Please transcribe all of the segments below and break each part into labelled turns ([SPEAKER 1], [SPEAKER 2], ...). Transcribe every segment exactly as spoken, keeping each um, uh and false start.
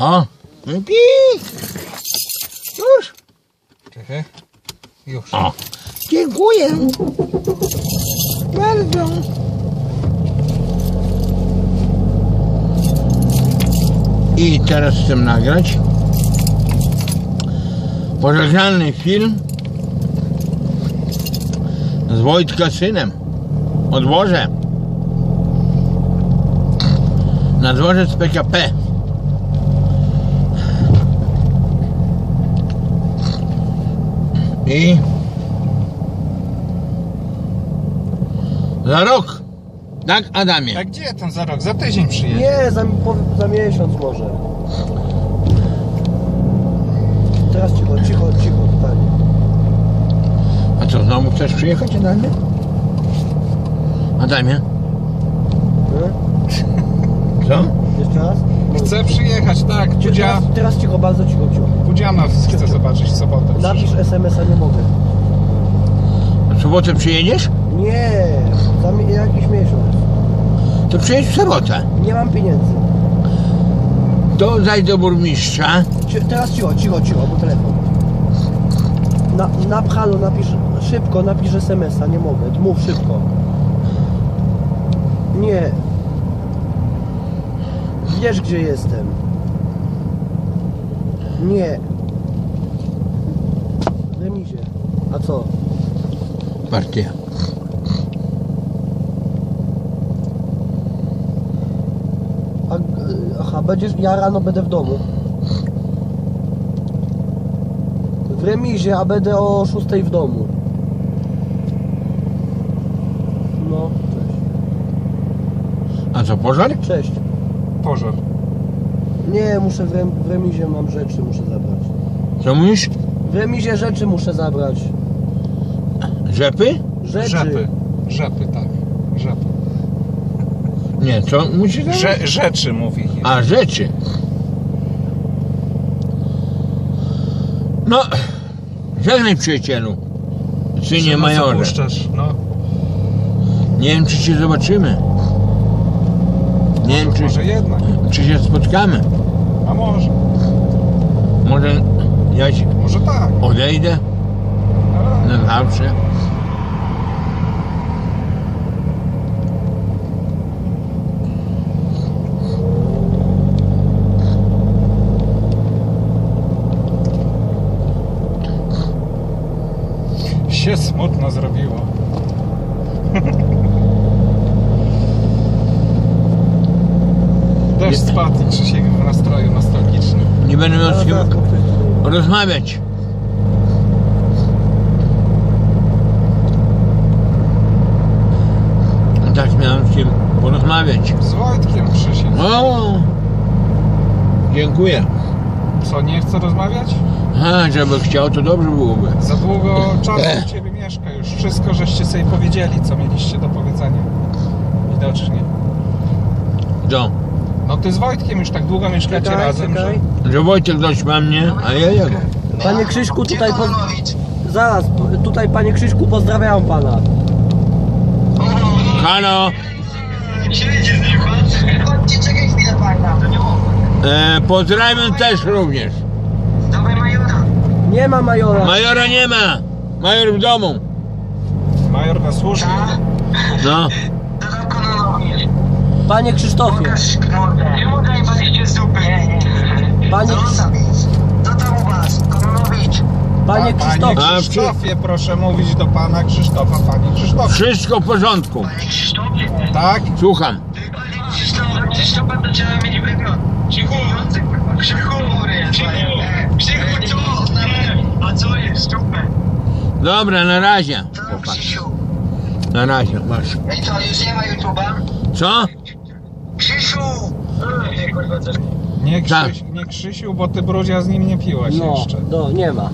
[SPEAKER 1] O, pij. Już.
[SPEAKER 2] Czekaj. Już.
[SPEAKER 1] O, dziękuję. Bardzo. I teraz chcę nagrać pożegnalny film z Wojtka synem o dworze. Na dworzec P K P. I za rok. Tak, Adamie?
[SPEAKER 2] A gdzie tam za rok? Za tydzień przyjedzie.
[SPEAKER 3] Nie, za, po, za miesiąc może. Teraz cicho, cicho, cicho, panie.
[SPEAKER 1] A co, znowu chcesz przyjechać, Adamie? Adamie?
[SPEAKER 3] Hmm?
[SPEAKER 1] Co?
[SPEAKER 3] Jeszcze raz?
[SPEAKER 2] Chcę przyjechać, tak. Budzia...
[SPEAKER 3] Teraz, teraz cicho, bardzo cicho, cicho.
[SPEAKER 2] Budziana chcę zobaczyć w sobotę.
[SPEAKER 3] Napisz es em es a, nie mogę.
[SPEAKER 1] W sobotę przyjedziesz?
[SPEAKER 3] Nie, za mi, jakiś miesiąc.
[SPEAKER 1] To przyjedź w sobotę.
[SPEAKER 3] Nie mam pieniędzy.
[SPEAKER 1] To zajdź do burmistrza.
[SPEAKER 3] Ci, teraz cicho, cicho, cicho, bo telefon. Na, na pchalu napisz, szybko napisz es em es a, nie mogę. Mów szybko. Nie. Wiesz, gdzie jestem. Nie. W remizie. A co?
[SPEAKER 1] Partia.
[SPEAKER 3] A, aha, będziesz, ja rano będę w domu. W remizie, a będę o szóstej w domu. No,
[SPEAKER 1] A co, pożar?
[SPEAKER 3] cześć. Cześć.
[SPEAKER 2] Pożar.
[SPEAKER 3] Nie, muszę w, rem, w remizie mam rzeczy, muszę zabrać.
[SPEAKER 1] Co mówisz?
[SPEAKER 3] W remizie rzeczy muszę zabrać.
[SPEAKER 1] Rzepy?
[SPEAKER 3] Rzeczy.
[SPEAKER 2] Rzepy. Rzepy, tak. Rzepy.
[SPEAKER 1] Nie, co musisz zabrać?
[SPEAKER 2] Rze rzeczy mówi.
[SPEAKER 1] A, rzeczy. No, żegnaj przyjacielu. Synie majorze.
[SPEAKER 2] Puszczasz, no.
[SPEAKER 1] Nie wiem, czy się zobaczymy. Nie wiem, czy,
[SPEAKER 2] Może jednak.
[SPEAKER 1] czy się spotkamy.
[SPEAKER 2] A może.
[SPEAKER 1] Może ja się
[SPEAKER 2] Może tak.
[SPEAKER 1] odejdę na zawsze.
[SPEAKER 2] Się smutno zrobiło. Deszcz spadł i Krzysiek w nastroju nostalgicznym.
[SPEAKER 1] Nie będę miał z
[SPEAKER 3] Zaraz,
[SPEAKER 1] kim
[SPEAKER 3] zaraz, bo-
[SPEAKER 1] rozmawiać. Tak miałem z kim porozmawiać.
[SPEAKER 2] Z Wojtkiem Krzysiek.
[SPEAKER 1] O, dziękuję.
[SPEAKER 2] Co, nie chce rozmawiać?
[SPEAKER 1] A, żeby chciał, to dobrze byłoby.
[SPEAKER 2] Za długo czasu u Ciebie mieszka już. Wszystko żeście sobie powiedzieli, co mieliście do powiedzenia. Widocznie.
[SPEAKER 1] Co?
[SPEAKER 2] No Ty z Wojtkiem już tak długo mieszkacie
[SPEAKER 3] Czekaj,
[SPEAKER 2] razem,
[SPEAKER 3] czekaj.
[SPEAKER 1] Że Wojtek dość ma mnie, a ja jego.
[SPEAKER 3] Panie Krzyśku, tutaj po... Zaraz, tutaj panie Krzyśku, pozdrawiam pana.
[SPEAKER 1] Halo,
[SPEAKER 4] Siedzi z nim, chodźcie, czekaj chwilę pana.
[SPEAKER 1] e, pozdrawiam też również.
[SPEAKER 4] Dawaj majora.
[SPEAKER 3] Nie ma majora.
[SPEAKER 1] Majora nie ma. Major w domu.
[SPEAKER 2] że major na służbie.
[SPEAKER 1] No,
[SPEAKER 4] Dodam kononowi.
[SPEAKER 3] Panie Krzysztofie.
[SPEAKER 4] Pokaż mordę. Nie mogę i paliście zupę.
[SPEAKER 3] Panie,
[SPEAKER 4] Co tam jest? Co tam u was? Kononowicz.
[SPEAKER 3] panie
[SPEAKER 2] Panie
[SPEAKER 3] Krzysztofie.
[SPEAKER 1] A,
[SPEAKER 2] Krzysztofie, proszę mówić do Pana Krzysztofa, Panie Krzysztofie.
[SPEAKER 1] wszystko w porządku.
[SPEAKER 4] Panie Krzysztofie.
[SPEAKER 2] Tak?
[SPEAKER 1] Słucham.
[SPEAKER 4] Panie Krzysztofie. Krzysztofa to trzeba mieć wygląd. Krzychu. Krzychu. Krzychu. Krzychu, co? A co jest? Super.
[SPEAKER 1] Dobra, na razie.
[SPEAKER 4] Co tam,
[SPEAKER 1] Chłopak.
[SPEAKER 4] Krzysiu?
[SPEAKER 1] Na razie, masz.
[SPEAKER 4] No i co, już nie ma YouTube'a?
[SPEAKER 1] Co?
[SPEAKER 4] Krzysiu!
[SPEAKER 2] Nie,
[SPEAKER 1] Tak.
[SPEAKER 2] Krzyś, nie Krzysiu, bo Ty brudzia z nim nie piłaś
[SPEAKER 3] No,
[SPEAKER 2] jeszcze.
[SPEAKER 3] no, nie ma.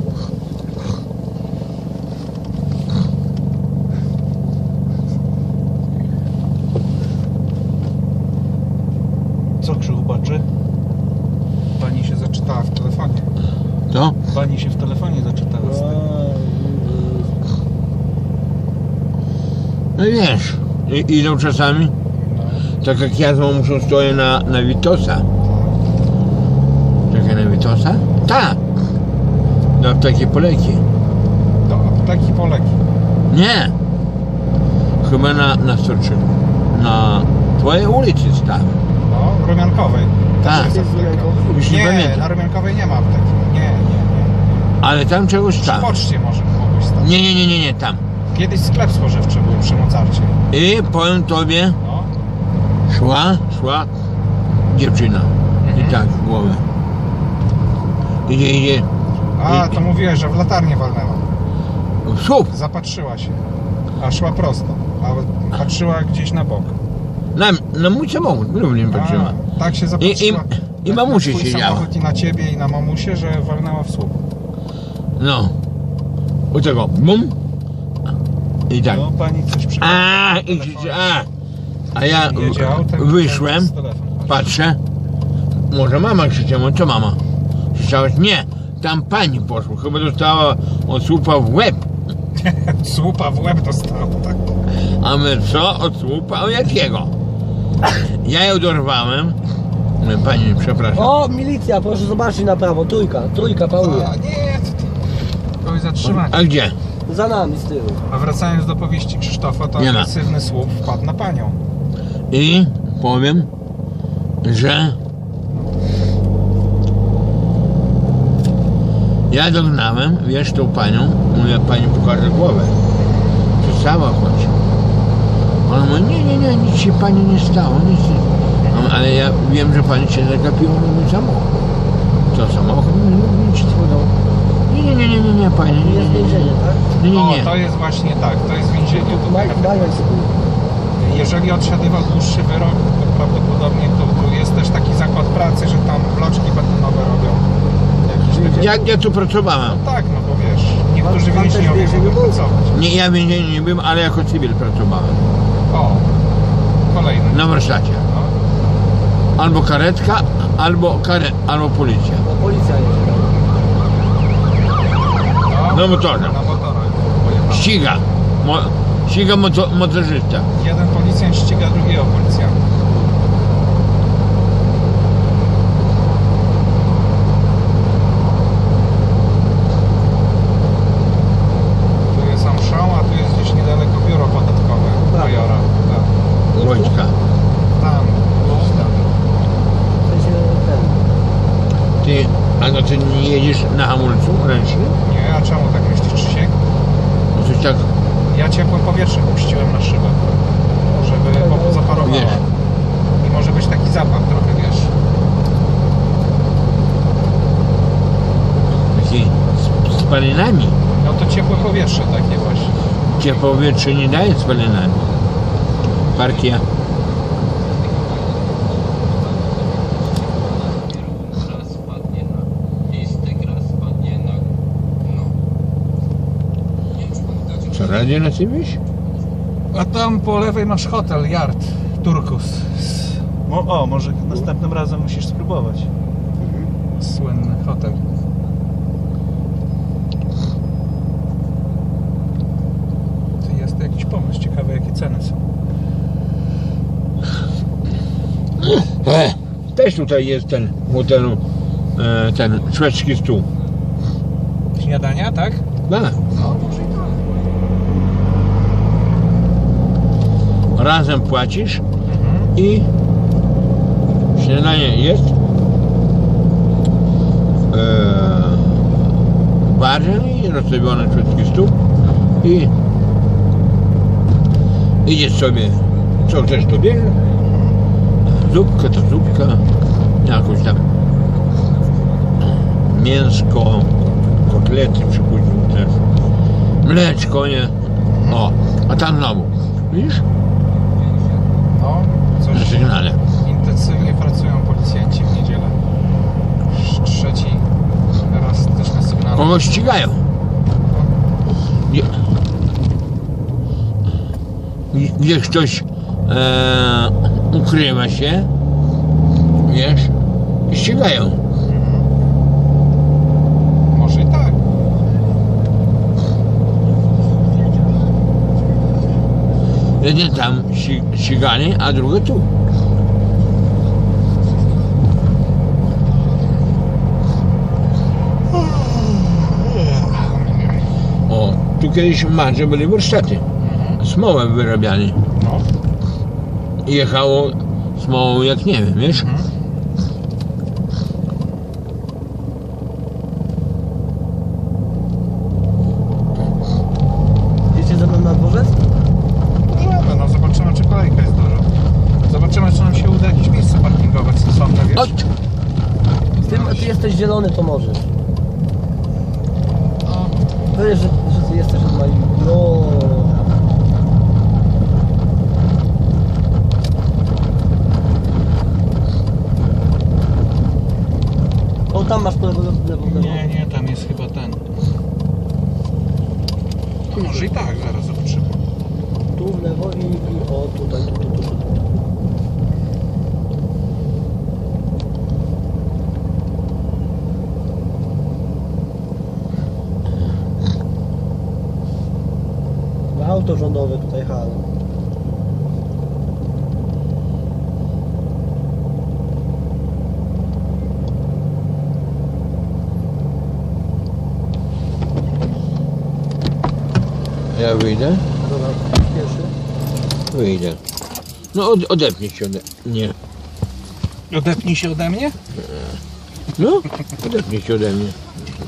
[SPEAKER 2] Co Krzychu baczy? Pani się zaczytała w telefonie.
[SPEAKER 1] Co?
[SPEAKER 2] Pani się w telefonie zaczytała. z tego.
[SPEAKER 1] No wiesz, i- idą czasami.
[SPEAKER 2] No.
[SPEAKER 1] Tak jak ja z mamą stoję na, na Witosa. Wytosa? Tak. Do apteki Poleki.
[SPEAKER 2] Do apteki Poleki.
[SPEAKER 1] Nie. Chyba na, na Storczyku. Na twojej ulicy stałem.
[SPEAKER 2] No, Rumiankowej.
[SPEAKER 1] Tak.
[SPEAKER 2] Też jest apteka.
[SPEAKER 1] Już nie
[SPEAKER 2] Nie,
[SPEAKER 1] pamiętam.
[SPEAKER 2] na Rumiankowej nie ma apteki. Nie, nie, nie.
[SPEAKER 1] Ale tam czegoś
[SPEAKER 2] Przy
[SPEAKER 1] stałem.
[SPEAKER 2] poczcie może mogłeś stać.
[SPEAKER 1] Nie, nie, nie, nie, nie, tam.
[SPEAKER 2] Kiedyś sklep spożywczy był przy Mocarcie.
[SPEAKER 1] I powiem tobie,
[SPEAKER 2] No.
[SPEAKER 1] szła, szła dziewczyna. I
[SPEAKER 2] Mhm.
[SPEAKER 1] tak w głowę. Idzie, idzie.
[SPEAKER 2] A,
[SPEAKER 1] I-
[SPEAKER 2] to mówiłeś, że w latarnię walnęła.
[SPEAKER 1] w słup.
[SPEAKER 2] Zapatrzyła się. A szła prosto. A patrzyła gdzieś na bok.
[SPEAKER 1] Na, na mój samochód, również patrzyła.
[SPEAKER 2] A, tak się zapatrzyła.
[SPEAKER 1] I- i
[SPEAKER 2] na-
[SPEAKER 1] mamusia
[SPEAKER 2] na twój
[SPEAKER 1] siedziała.
[SPEAKER 2] samochód i na ciebie i na mamusię, że walnęła w słup.
[SPEAKER 1] No. U tego, bum. I tak.
[SPEAKER 2] No, pani coś przypomniała.
[SPEAKER 1] A, i krzyczy, a. A ja
[SPEAKER 2] Jedzie autem,
[SPEAKER 1] wyszłem,
[SPEAKER 2] z telefon.
[SPEAKER 1] patrzę. Może mama krzyczała, co mama? Krzyczałaś, nie, tam pani poszła, chyba dostała od słupa w łeb.
[SPEAKER 2] Słupa w łeb dostała, tak.
[SPEAKER 1] A my co? Od słupa? O jakiego? Ja ją dorwałem. Mówię, pani, przepraszam.
[SPEAKER 3] O, milicja, proszę zobaczyć na prawo. Trójka, trójka pałuje.
[SPEAKER 2] A, nie, to, to kogoś zatrzymać.
[SPEAKER 1] A gdzie?
[SPEAKER 3] Za nami z tyłu.
[SPEAKER 2] A wracając do powieści Krzysztofa, to
[SPEAKER 1] Nie ma.
[SPEAKER 2] agresywny słup wpadł na panią.
[SPEAKER 1] I powiem, że ja dognałem, wiesz, tą panią, mówię, pani pokaże głowę. Przestała chodź. Ona mówi, nie, nie, nie, nic się pani nie stało, nic się... No, ale ja wiem, że pani się zagapiła na mój samochód. Co samochód? Nie, nie, nic tworzą. Nie, nie, nie, nie, nie, nie, pani, nie,
[SPEAKER 3] Jest
[SPEAKER 1] nie, nie,
[SPEAKER 3] więzienie, tak?
[SPEAKER 1] nie, nie,
[SPEAKER 2] O,
[SPEAKER 1] nie.
[SPEAKER 2] to jest właśnie tak, to jest więzienie.
[SPEAKER 3] Ma,
[SPEAKER 2] Tutaj.
[SPEAKER 3] mają swój.
[SPEAKER 2] Jeżeli odsiadywał dłuższy wyrok, to prawdopodobnie to, to jest też taki zakład pracy, że tam bloczki betonowe robią. Jakieś takie...
[SPEAKER 1] Ja, ja tu pracowałem.
[SPEAKER 2] Tak, no bo wiesz, niektórzy
[SPEAKER 3] Pan- pan też
[SPEAKER 2] więźniowie
[SPEAKER 3] więzieniu
[SPEAKER 2] mogą
[SPEAKER 3] był?
[SPEAKER 2] pracować.
[SPEAKER 1] Nie, ja w więzieniu nie byłem, ale jako cywil pracowałem.
[SPEAKER 2] O, kolejny.
[SPEAKER 1] Na warsztacie.
[SPEAKER 2] No.
[SPEAKER 1] Albo karetka, albo kare, albo policja.
[SPEAKER 3] No, policja jedzie.
[SPEAKER 2] No,
[SPEAKER 1] Na motorze.
[SPEAKER 2] Na motorach pojechał.
[SPEAKER 1] Ściga. Mo, ściga moto, motorzysta.
[SPEAKER 2] Jeden policjant ściga drugiego policjanta. Tu jest Amszał, a tu jest gdzieś niedaleko biuro podatkowe
[SPEAKER 3] Tak.
[SPEAKER 2] majora. Tak.
[SPEAKER 1] Wojtka.
[SPEAKER 2] Tam, gdzieś tam.
[SPEAKER 3] W sensie ten.
[SPEAKER 1] Ty, a no ty nie jedziesz na hamulcu ręcznym?
[SPEAKER 2] Nie, a czemu tak myślisz, Krzysiek?
[SPEAKER 1] No coś tak,
[SPEAKER 2] Ja ciepłym powietrzem puściłem na szybę, żeby po- zaparowała.
[SPEAKER 1] Wiesz.
[SPEAKER 2] I może być taki zapach trochę, wiesz.
[SPEAKER 1] taki z, z spalinami.
[SPEAKER 2] No to ciepłe powietrze takie właśnie.
[SPEAKER 1] Cię powietrze nie daje z spalinami. Parkia.
[SPEAKER 5] Gra spadnie na listę, gra spadnie na... no. Nie wiem, czy pamiętacie...
[SPEAKER 1] Co, radio na ciebie?
[SPEAKER 2] A tam po lewej masz hotel, Yard, Turkus.
[SPEAKER 6] Mo- o, może następnym razem musisz spróbować.
[SPEAKER 2] Słynny hotel. To jest jakiś pomysł, ciekawe jakie ceny są.
[SPEAKER 1] E, też tutaj jest ten w hotelu, e, ten szwedzki stół.
[SPEAKER 2] Śniadania, tak?
[SPEAKER 1] Da.
[SPEAKER 2] No, może i tak.
[SPEAKER 1] Razem płacisz
[SPEAKER 2] Mhm.
[SPEAKER 1] i śniadanie jest. E, w barze i rozstawiony szwedzki stół i idziesz sobie, co chcesz to bierz. Zupka to zupka, jakoś tam mięsko, kotlety przypuśćmy też, mleczko, nie? O, a tam znowu, widzisz?
[SPEAKER 2] No,
[SPEAKER 1] Na
[SPEAKER 2] coś
[SPEAKER 1] sygnale.
[SPEAKER 2] intensywnie pracują policjanci w niedzielę. Już trzeci raz też na sygnale.
[SPEAKER 1] Kogoś ścigają. Gdzie, gdzie ktoś e, ukrywa się, wiesz, i ścigają.
[SPEAKER 2] Może i tak.
[SPEAKER 1] Jeden tam ści- ścigany, a drugi tu. kiedyś w Madrze byli warsztaty. Smołę wyrabiali.
[SPEAKER 2] No.
[SPEAKER 1] I jechało smołą jak nie wiem, wiesz?
[SPEAKER 2] Mhm.
[SPEAKER 3] Jedziecie ze mną na dworzec?
[SPEAKER 2] Możemy, no zobaczymy, czy kolejka jest duża. Zobaczymy, czy nam się uda jakieś miejsce parkingowe sensowne, wiesz?
[SPEAKER 1] Chodź!
[SPEAKER 3] Ty, ty jesteś zielony, to możesz.
[SPEAKER 2] No.
[SPEAKER 3] Wiesz, że, że ty jesteś od mojej... No. O, tam masz po lewo, lewo, lewo.
[SPEAKER 2] Nie, nie, tam jest chyba ten. A może i tak, zaraz zobaczymy.
[SPEAKER 3] Tu w lewo i, i o, tutaj, tu, tu, tu, tu. Auto rządowe tutaj halo.
[SPEAKER 1] Ja wyjdę?
[SPEAKER 3] Dobra, pierwszy.
[SPEAKER 1] Wyjdę. No od, odepnij się ode mnie.
[SPEAKER 2] Odepnij się ode mnie?
[SPEAKER 1] No, odepnij się ode mnie.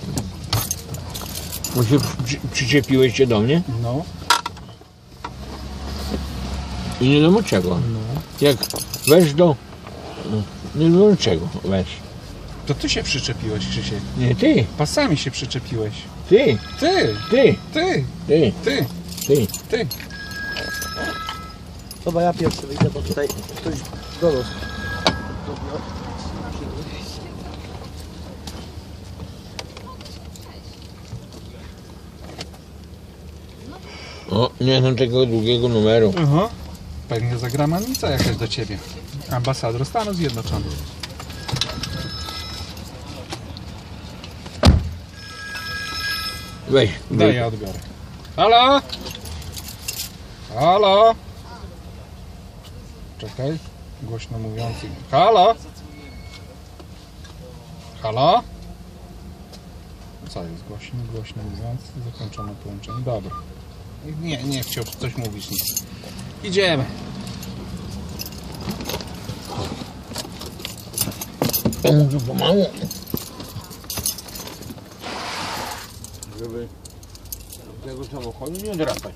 [SPEAKER 1] Bo się przy, przyczepiłeś się do mnie
[SPEAKER 2] No.
[SPEAKER 1] i nie wiadomo czego. Jak weź do... No, nie wiadomo czego weź.
[SPEAKER 2] To ty się przyczepiłeś, Krzysiek.
[SPEAKER 1] Nie ty,
[SPEAKER 2] Pasami się przyczepiłeś.
[SPEAKER 1] ty,
[SPEAKER 2] Ty!
[SPEAKER 1] ty,
[SPEAKER 2] Ty!
[SPEAKER 1] ty,
[SPEAKER 2] Ty!
[SPEAKER 1] ty.
[SPEAKER 2] Ty!
[SPEAKER 3] Chyba ja pierwszy wyjdę, bo tutaj ktoś do nas.
[SPEAKER 1] O, nie znam tego długiego numeru.
[SPEAKER 2] Aha. Pewnie zagramanica jakaś do ciebie. Ambasador Stanów Zjednoczonych.
[SPEAKER 1] Weź,
[SPEAKER 2] Daj,
[SPEAKER 1] weź.
[SPEAKER 2] ja odbiorę. Halo? Halo? Czekaj. Głośno mówiący. Halo? Halo? Co jest głośno, głośno mówiący? Zakończone połączenie. Dobra. Nie, nie chciał coś mówić nic. Idziemy.
[SPEAKER 1] To może pomału. Żeby tego samochodu nie drapać.